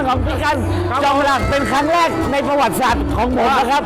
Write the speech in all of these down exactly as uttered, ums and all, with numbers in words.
ของพี่กันจอมพลังเป็นครั้งแรกในประวัติศาสตร์ของผมนะครับ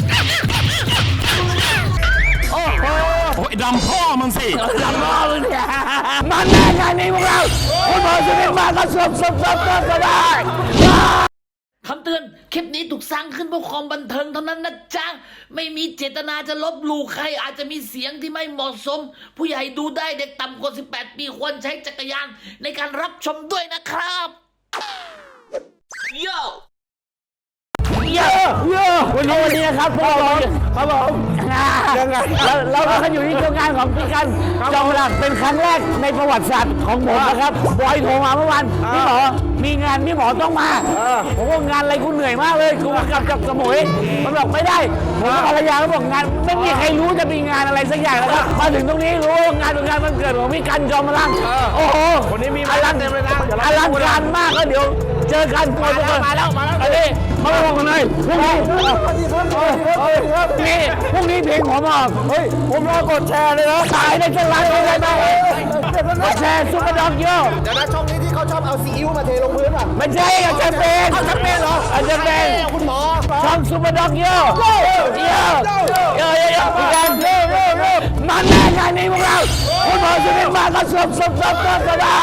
โอ้โหโอ้ยดำพ่อมันสิดำพ่อมึงเนี่ยมันแน่งานนี้พวกเราคุณหมอสุนินมาก็สบสบสบสบก็ได้คำเตือนคลิปนี้ถูกสร้างขึ้นเพื่อความบันเทิงเท่านั้นนะจ๊ะไม่มีเจตนาจะลบหลู่ใครอาจจะมีเสียงที่ไม่เหมาะสมผู้ใหญ่ดูได้เด็กต่ำกว่าสิบแปดปีควรใช้จักรยานในการรับชมด้วยนะครับโย่เยอะเยอะวันนี้วันนี้นะครับพวกเราครับผมเราเราก็อยู่ที่งานของพี่กันจอมพลังเป็นครั้งแรกในประวัติศาสตร์ของผมนะครับบอยโทรมาเมื่อวานพี่หมอมีงานพี่หมอต้องมาผมว่างานอะไรกูเหนื่อยมากเลยกูมากลับจากสมุยมันบอกไม่ได้ผมภรรยาก็บอกงานไม่มีใครรู้จะมีงานอะไรสักอย่างแล้วครับมาถึงตรงนี้รู้ว่างานเป็นงานวันเกิดของพี่กันจอมพลังโอ้โหวันนี้มีอลังเต็มเลยนะอลังการมากก็เดี๋ยวเจอกันมาแล้วมาแล้วมาแล้วอันนี้มาลงกันเลยพรุ่งนี้พรุ่งนี้พรุ่งนี้เพลงผมออกเฮ้ยผมรอกดแชร์เลยนะขายในช่องไลน์เลยไหมกดแชร์ซุปเปอร์ด็อกโย่เดี๋ยวนะช่องนี้ที่เขาชอบเอาซีอิ๊วมาเทลงพื้นป่ะไม่ใช่อาจารย์เป็นเอาจะเป็นเหรออาจารย์เป็นคุณหมอช่องซุปเปอร์ด็อกโย่โย่โย่โย่โย่พี่กันโย่โย่โย่มันแน่งานนี้พวกเราคุณหมอสุนินมาก็สบสบสบสบก็ได้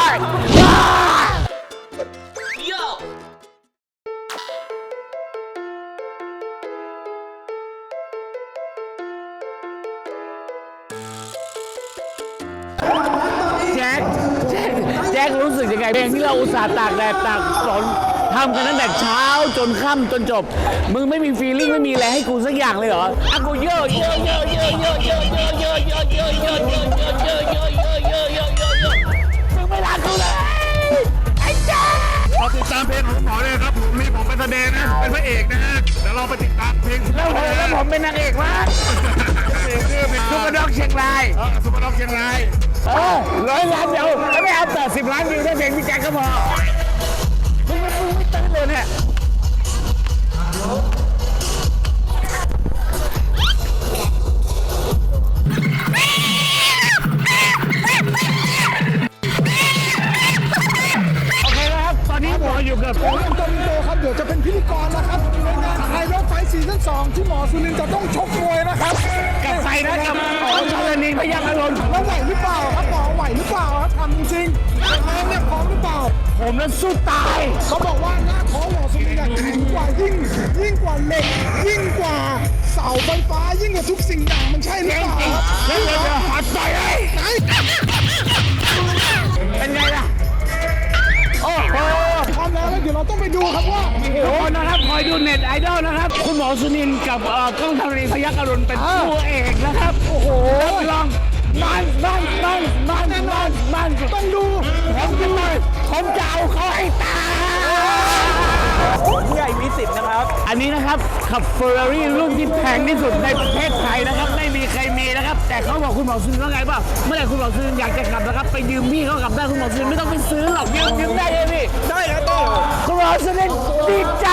แจ็คแจ็คแจ็ครู้สึกยังไงเพลงที่เราอุตส่าห์ตากแดดตากฝนทำกันตั้งแต่เช้าจนค่ำจนจบมึงไม่มีฟีลลิ่งไม่มีอะไรให้กูสักอย่างเลยเหรออ่ะกูเยอะเยอะเยอะเยอะเยอะเยอะเยอะเยอะเยอะเยอะเยอะเยอะเยอะเยอะเยอะเยอะเยอะเยอะเยอะมึงไม่รักกูเลยไอ้แจ็คเราติดตามเพลงของหมอเลยครับผมนี่ผมเป็นแสดงนะเป็นพระเอกนะฮะเดี๋ยวเราไปติดตามเพลงแล้วผมแล้วผมเป็นนางเอกวะซุปเปอร์ด็อกเชียงรายซุปเปอร์ด็อกเชียงรายเออร้อยล้านเดียวแล้วไม่เอาแปดสิบล้านวิวได้เพลงพี่แจ็คก็พอมึงไม่มึงไม่ตื่นเลยเนี่ยโอเคแล้วครับตอนนี้หมออยู่กับผมอันโตนิโตครับเดี๋ยวจะเป็นพิธีกรนะครับในงานไทยรถไฟซีซั่นสองที่หมอสุนินจะต้องชกมวยนะครับกับใครนะกับหมอชลนีพยัคฆ์อรุณแล้วไหวหรือเปล่าครับหมอไหวหรือเปล่าครับทำจริงๆแรงเนี่ยพร้อมหรือเปล่าผมนั้นสู้ตายเขาบอกว่าหน้าท้องหมอสุนินแข็งกว่ายิ่งยิ่งกว่าเหล็กยิ่งกว่าเสาไฟฟ้ายิ่งกว่าทุกสิ่งอย่างมันใช่หรือเปล่าเฮ้ยเดี๋ยวหัดใจไอ้เป็นไงล่ะโอ้โหพร้อมแล้วเดี๋ยวเราต้องไปดูครับว่าทุกคนนะครับคอยดูเน็ตไอดอลนะครับคุณหมอสุนินกับกล้องธรณีพยัคฆ์อรุณเป็นคู่เอกนะครับโอ้โหลองมันมันมันมันมันมันต้องดูผมจะมาผมจะเอาเขาให้ตายผู้ใหญ่มีสิทธิ์นะครับอันนี้นะครับขับเฟอร์รารี่รุ่นที่แพงที่สุดในประเทศไทยนะครับไม่มีใครมีนะครับแต่เขาบอกคุณหมอสุนินว่าไงป่ะเมื่อไหร่คุณหมอสุนินอยากจะขับนะครับไปยืมพี่เขาขับได้คุณหมอสุนินไม่ต้องไปซื้อหรอกยืมยืมได้เลยพี่ได้ครับต้องคุณหมอสุนินดีใจ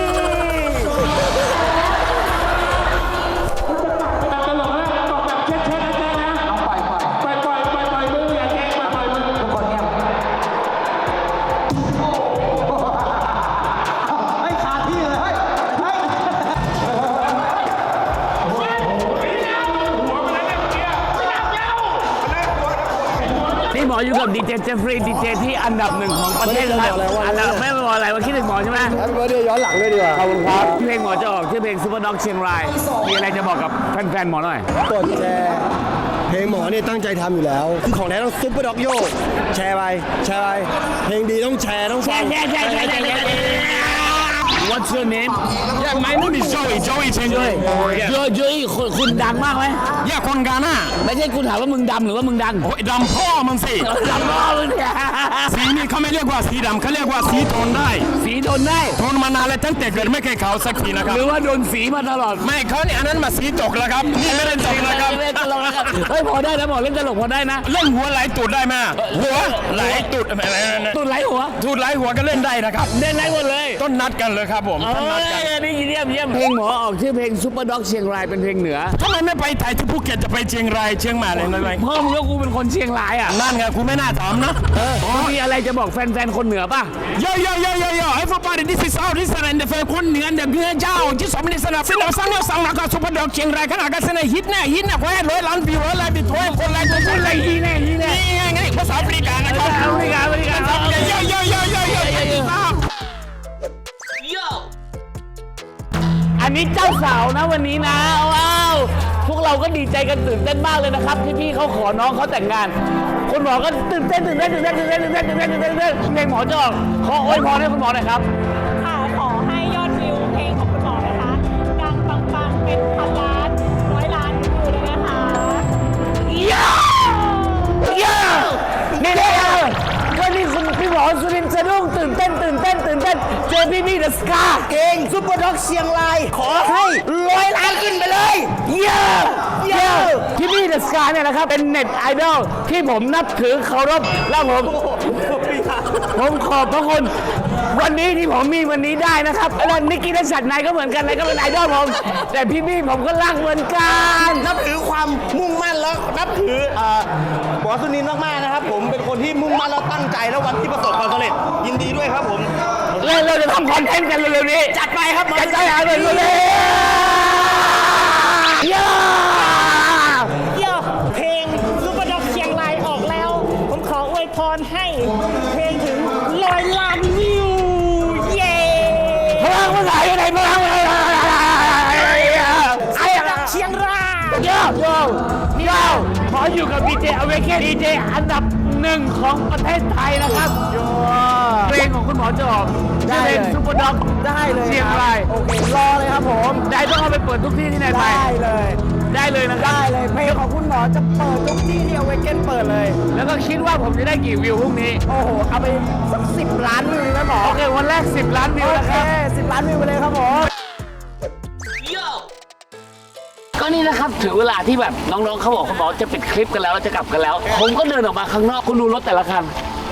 หมออยู่กับดีเจเจฟฟรีย์ดีเจที่อันดับหนึ่งของประเทศไทยอันดับไม่บอกอะไรว่าคิดถึงหมอใช่ไหมแฮปปี้เบิร์ธเดย์ย้อนหลังด้วยดีกว่าขอบคุณครับเพลงหมอจะออกชื่อเพลงซุปเปอร์ด็อกเชียงรายมีอะไรจะบอกกับแฟนๆหมอหน่อยกดแชร์เพลงหมอเนี่ยตั้งใจทำอยู่แล้วคือของแท้ต้องซุปเปอร์ด็อกโยแชร์ไปแชร์ไปเพลงดีต้องแชร์ต้องฟังแชร์แชร์แชร์แชร์แชร์ What's your name? Yeah, my name is Joey. Joey Chen. Joey. Joey. Joey. คุณดังมากไหม Yeah, คนกาน่าไม่ใช่คุณถามว่ามึงดำหรือว่ามึงดังโอ้ยดำพ่อมันสิดำพ่อมึงเนี่ยสีนี่เขาไม่เรียกว่าสีดำเขาเรียกว่าสีทนได้สีทนได้ทนมานานแล้วตั้งแต่เกิดไม่เคยขาวสักทีนะครับหรือว่าโดนสีมาตลอดไม่เขาเนี่ยอันนั้นมาสีตกแล้วครับนี่ไม่เล่นตกนะครับเล่นตลกนะครับเฮ้ยพอได้นะหมอเล่นตลกพอได้นะเล่นหัวไหลตูดได้ไหมหัวไหลตูดตูดไหลหัวตูดไหลหัวก็เล่นได้นะครับเล่นได้หมดเลยต้นนัดกันเลยครับผมเอต้นนัดกันอนี่เยี่ยมเยี่ยมเพลงหมอออกชื่อเพลงซุปเปอร์ด็อกเชียงรายเป็นเพลงเหนือทำไมไม่ไปถ่ายที่ภูเก็ตจะไปเชียงรายเชียงใหม่เลยนะไรเพิ่มก็กูเป็นคนเชียงรายอ่ะนั่นไงคุณไม่น่าถามนะมึงมีอะไรจะบอกแฟนๆคนเหนือป่ะโยโยโยโยโย everybody this is all this and the แฟนคนเหนือเดี๋ยวพี่เจ้าที่สองมินิสนาสิเราสร้างเราสร้างแล้วก็ซุปเปอร์ด็อกเชียงรายขนาดกันเสนอฮิตแน่ฮิตแน่แค่ร้อยล้านวิวร้อยล้านวิวตัวคนไลค์ตัวคนไลค์ฮีแน่ฮีแน่นี่ไงภาษาแอฟริกานะครับอเมริกาอเมริกาโยโยโยโยโยโยอันนี้เจ้าสาวนะวันนี้นะว้าวพวกเราก็ดีใจกันตื่นเต้นมากเลยนะครับที่พี่เขาขอน้องเขาแต่งงานคุณหมอก็ตื่นเต้นตื่นเต้นตื่นเต้นตื่นเต้นตื่นเต้นตื่นเต้นตื่นเต้นตื่นเต้นเพลงหมอจะออกขออวยพรให้คุณหมอหน่อยครับค่ะขอให้ยอดวิวเพลงของคุณหมอนะคะดังปังๆเป็นพันล้านร้อยล้านวิวเลยนะคะเย้เย้นี่เลยก็นี่คุณพี่หมอสุรินทร์สะดุ้งตื่นเต้นตื่นเต้นตื่นเต้นเจอพี่พี่เดอะสกาเก่งซุปเปอร์ด็อกเชียงรายขอให้ร้อยล้านขึ้นไปเลยเย้เย้พี่พี่เดอะสกาเนี่ยนะครับเป็นเน็ตไอดอลที่ผมนับถือเคารพและผมผมขอบพระคุณวันนี้ที่ผมมีวันนี้ได้นะครับแล้วนิกกี้และฉัดนายก็เหมือนกันนายก็เป็นไอดอลผมแต่พี่พี่ผมก็รักเหมือนกันนับถือความมุ่งมั่นแล้วนับถือเอ่อหมอสุนินทร์มากๆนะครับผมเป็นคนที่มุ่งมั่นแล้วตั้งใจแล้ววันที่ประสบความสำเร็จยินดีด้วยครับผมเราเราจะทำคอนเทนต์กันเร็วๆนี้จัดไปครับจัดไปหาเลยเลยเย้เดี๋ยวเพลงซุปเปอร์ด็อกเชียงรายออกแล้ว ผมขออวยพรให้เพลงถึงร้อยล้านวิว เย้พลังภาษาอะไรพลังอะไรไอ้อะไรเชียงรายโยโยโยขออยู่กับดีเจอเวกเกดีเจอันดับหนึ่งของประเทศไทยนะครับเพลงของคุณหมอจะออกชื่อเพลงซุปเปอร์ด็อกได้เลยเชียงรายโอเครอเลยครับผมได้ต้องเอาไปเปิดทุกที่ที่ไหนไปได้เลยได้เลยนะครับได้เลยเพลงของคุณหมอจะเปิดทุกที่ที่เอาไว้เก้นเปิดเลยแล้วก็คิดว่าผมจะได้กี่วิวพรุ่งนี้โอ้โหเอาไปสักสิบล้านวิวเลยนะหมอโอเค วันแรก สิบ ล้านวิวโอนะเคครับสิบล้านวิวไปเลยครับผมก็นี่นะครับถึงเวลาที่แบบน้องๆเขาบอกเขาบอกจะปิดคลิปกันแล้วจะกลับกันแล้ว ผมก็เดินออกมาข้างนอกคุณดูรถแต่ละคัน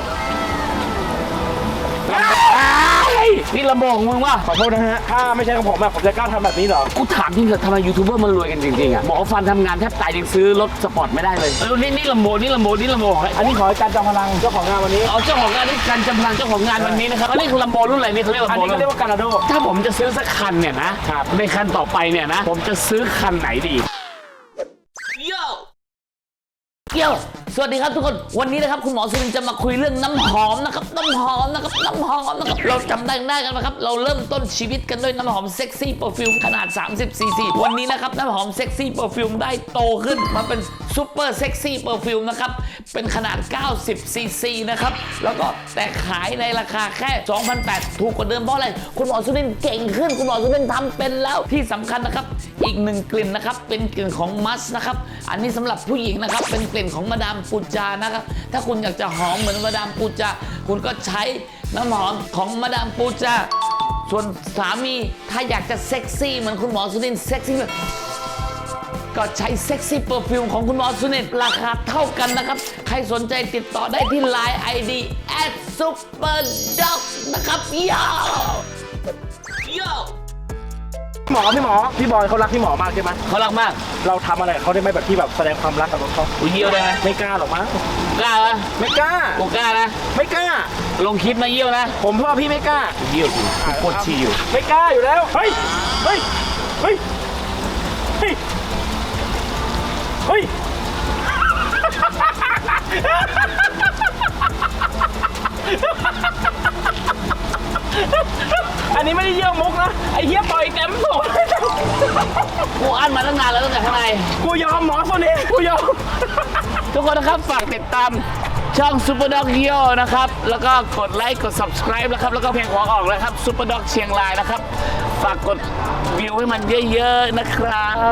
นี่ลำโพงของมึงวะขอโทษนะฮะถ้าไม่ใช่ของผมอะผมจะกล้าทำแบบนี้เหรอกูถามจริงเถอะทำไมยูทูบเบอร์มันรวยกันจริงๆอ่ะหมอฟันทำงานแทบตายยังซื้อรถสปอร์ตไม่ได้เลยเออนี่นี่ลำโพงนี่ลำโพงนี่ลำโพงอันนี้ขอให้การจอมพลังเจ้าของงานวันนี้เอาเจ้าของงานนี่การจำลังเจ้าของงานวันนี้นะครับอันนี้คือลำโพงรุ่นอะไรนี่เขาเรียกอันลำโพงนี้ก็เรียกว่าการาโดถ้าผมจะซื้อสักคันเนี่ยนะในคันต่อไปเนี่ยนะผมจะซื้อคันไหนดีเกี่ยวสวัสดีครับทุกคนวันนี้นะครับคุณหมอสุรินทร์จะมาคุยเรื่องน้ำหอมนะครับน้ำหอมนะครับน้ำหอมนะครับเราจำได้ได้กันนะครับเราเริ่มต้นชีวิตกันด้วยน้ำหอมเซ็กซี่เปอร์ฟิวมขนาดสามสิบซีซีวันนี้นะครับน้ำหอมเซ็กซี่เปอร์ฟิวมได้โตขึ้นมาเป็นซูเปอร์เซ็กซี่เปอร์ฟิวมนะครับเป็นขนาดเก้าสิบซีซีนะครับแล้วก็แต่ขายในราคาแค่ สองพันแปดร้อย ถูกกว่าเดิมเพราะอะไรคุณหมอสุรินทร์เก่งขึ้นคุณหมอสุรินทร์ทำเป็นแล้วที่สำคัญนะครับอีกหนึ่งกลิ่นนะครับเป็นกลิ่นของมัสนะครับอันนี้สำหรับผู้หญิงนะครับเป็นกลิ่นของมาดามปูจานะครับถ้าคุณอยากจะหอมเหมือนมาดามปูจาคุณก็ใช้น้ำหอมของมาดามปูจาส่วนสามีถ้าอยากจะเซ็กซี่เหมือนคุณหมอสุรินทร์เซ็กซี่ก็ใช้เซ็กซี่เปอร์ฟิวมของคุณหมอสุรินทร์ราคาเท่ากันนะครับใครสนใจติดต่อได้ที่ ไลน์ ไอ ดี แอท ซุปเปอร์ด็อก นะครับยาวโยหมอพี่หมอพี่บอยเขารักพี่หมอมากใช่ไหมเขารักมากเราทำอะไรกับเขาได้ไหมแบบที่แบบแสดงความรักกับเขากูเยี่ยวได้ไหมไม่กล้าหรอกมั้งกล้าปะไม่กล้ากูกล้านะไม่กล้าลงคลิปมาเยี่ยวนะผมว่าพี่ไม่กล้าเยี่ยวกูกูปวดฉี่อยู่ไม่กล้าอยู่แล้วเฮ้ยเฮ้ยเฮ้ยเฮ้ยเฮ้ยอันนี้ไม่ได้เยี่ยวมุกนะไอ้เหี้ยปล่อยเต็มตัวกูอั้นมาตั้งนานแล้วตั้งแต่ข้างในกูยอมหมอคนนี้กูยอมทุกคนนะครับฝากติดตามช่อง Super Dog Yo นะครับ แล้วก็กดไลค์กด subscribe นะครับ แล้วก็เพลงหัวออกแล้วครับ Super Dog เชียงรายนะครับ ฝากกดวิวให้มันเยอะๆนะครับ